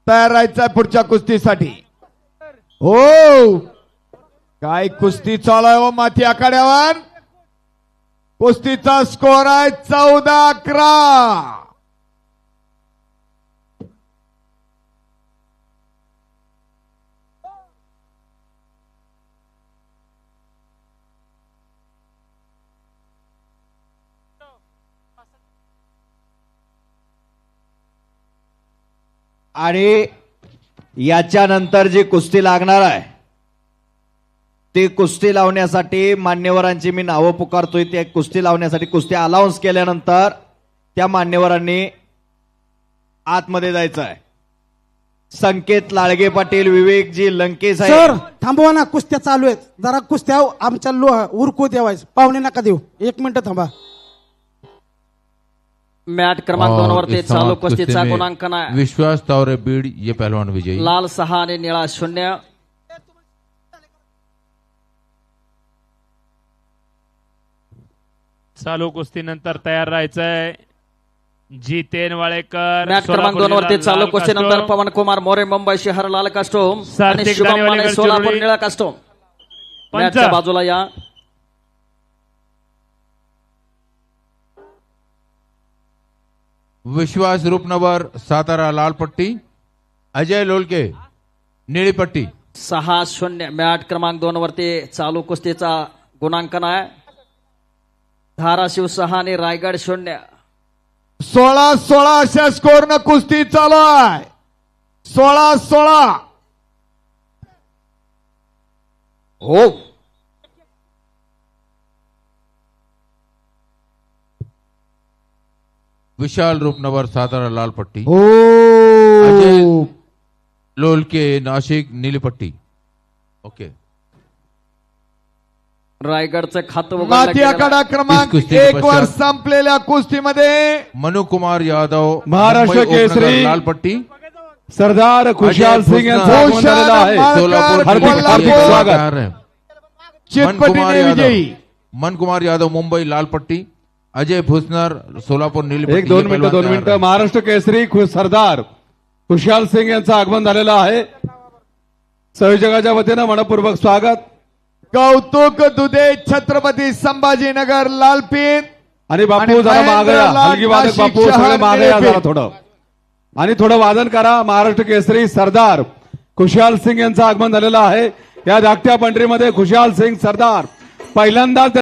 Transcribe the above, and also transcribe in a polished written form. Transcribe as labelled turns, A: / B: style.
A: तयार राहायचंय पुढच्या कुस्तीसाठी। हो काय कुस्ती चालू आहे हो माथी आखाड्यावर। कुस्तीचा स्कोर आहे 14-11।
B: आणि याच्यानंतर जी कुस्ती लागणार आहे ती कुस्ती लावण्यासाठी मान्यवरांची मी नावं पुकारतोय। ते कुस्ती लावण्यासाठी कुस्ती अलाउन्स केल्यानंतर त्या मान्यवरांनी आतमध्ये जायचं आहे। संकेत लाळगे पाटील, विवेकजी लंके साहेब।
C: सर थांबवा ना, कुस्त्या चालू आहेत, जरा कुस्त्या आमच्या उरकू देवायचं, पाहुणे नका देऊ, 1 मिनिट थांबा।
D: मैच क्रमांक 2 वरती चालू कुस्तीचा गुणांकन आहे।
E: विश्वास तावरे बीड ये पहलवान विजयी।
D: लाल 6 आणि निळा 0।
F: चालू कुस्तीनंतर तयार राहायचंय जितेन वाळेकर।
D: मॅच क्रमांक 2 वरती चालू कुस्तीनंतर पवन कुमार मोरे मुंबई शहर लाल कास्टोम आणि शुभम माने सोलापूर निळा कास्टोम। मॅचच्या बाजूला या।
E: विश्वास रूपनगर सातारा लाल पट्टी, अजय लोलके निळी पट्टी।
D: 6-0 मॅच क्रमांक 2 वरती चालू कुस्तीचा गुणांकन आहे। धाराशिव 6 आणि रायगड 0।
A: 16-16 अशा स्कोर न कुस्ती चालू आहे। 16-16।
B: हो
E: विशाल रूपनगर सातारा लाल पट्टी,
A: हो
E: अजय लोलके नाशिक नीली पट्टी। ओके
D: रायगडचं खातं
A: माथी आखाडा क्रमांक 1 वर संपलेल्या कुस्तीमध्ये
E: मनु कुमार यादव
G: महाराष्ट्र
E: मुंबई
G: केसरी
E: उपनगर लाल पट्टी,
G: सरदार खुशाल सिंग यांचा आगमन झालेला आहे।
E: सोलापूर
G: हार्दिक हार्दिक स्वागत।
A: चितपटीने विजयी।
E: मन कुमार यादव मुंबई लाल पट्टी, अजय भुसनर सोलापूर नीली पट्टी।
G: 2 मिनिटं महाराष्ट्र केसरी सरदार खुशाल सिंग यांचं आगमन झालेलं आहे। संयोजकाच्या वतीनं मनपूर्वक स्वागत।
A: कौतुक दुधे छत्रपती संभाजीनगर लालपीत।
G: आणि बापू जरा मागे या, हलगी वादक बापू सगळे मागे या जरा थोडं, आणि थोडं वादन करा। महाराष्ट्र केसरी सरदार खुशाल सिंग यांचं आगमन झालेलं आहे। या धाकट्या पंढरीमध्ये खुशाल सिंग सरदार पहिल्यांदाच